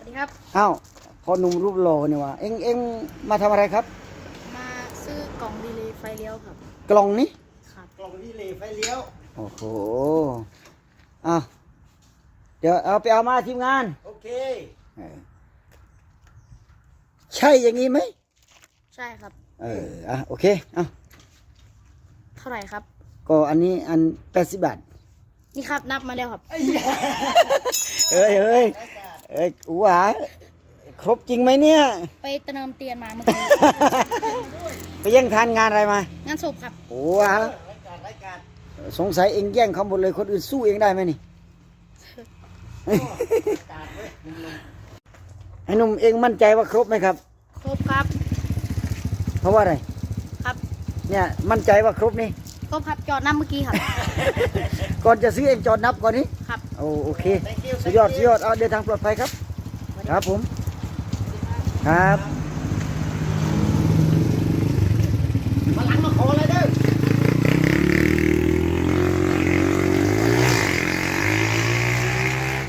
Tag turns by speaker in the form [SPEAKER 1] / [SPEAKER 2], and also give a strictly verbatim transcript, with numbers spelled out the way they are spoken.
[SPEAKER 1] วัสดีครับ
[SPEAKER 2] อ้าวพอหนุ่มรูปหล่อเนี่ยว่ะเอ็งเอ็งมาทำอะไรครับ
[SPEAKER 1] มาซื้อกล่องดีเลย์ไฟเลี้ยวครับ
[SPEAKER 2] กล่องนี้
[SPEAKER 1] ครับ
[SPEAKER 2] กล่องดีเลย์ไฟเลี้ยวโอ้โหอ้าวเดี๋ยวเอาไปเอามาทีมงานโอเคใช่อย่างนี้ไหม
[SPEAKER 1] ใช่ครับ
[SPEAKER 2] เอออ่ะโอเคอ่ะ
[SPEAKER 1] เท่าไหร่ครับ
[SPEAKER 2] ก็อันนี้อันแปดสิบบาท
[SPEAKER 1] นี่ครับนับมาแล้วครับ
[SPEAKER 2] เอ้ยเอ้ยเอ้ยหวาครบจริงไหมเนี่ย
[SPEAKER 1] ไปเติมเตียนมาเมื่อกี้
[SPEAKER 2] ไปแย่งทานงานอะไรมาง
[SPEAKER 1] านศพครับ
[SPEAKER 2] โอ้วะสงสัยเองแย่งเขาหมดเลยคนอื่นสู้เองได้ไหมนี่ ไอ้หนุ่มเองมั่นใจว่าครบไหมครับ
[SPEAKER 1] ครบครับ
[SPEAKER 2] เพราะว่าอะไร
[SPEAKER 1] ครับ
[SPEAKER 2] เนี่ยมั่นใจว่าครบนี่
[SPEAKER 1] ครบครับจอดน้ำเมื่อกี้ครับ
[SPEAKER 2] ก่อนจะซื้อเองจอดนับก่อนนี้
[SPEAKER 1] ครับ
[SPEAKER 2] โอ้โอเคสุดยอดสุดยอดเอาเดินทางปลอดภัยครับครับผมครับ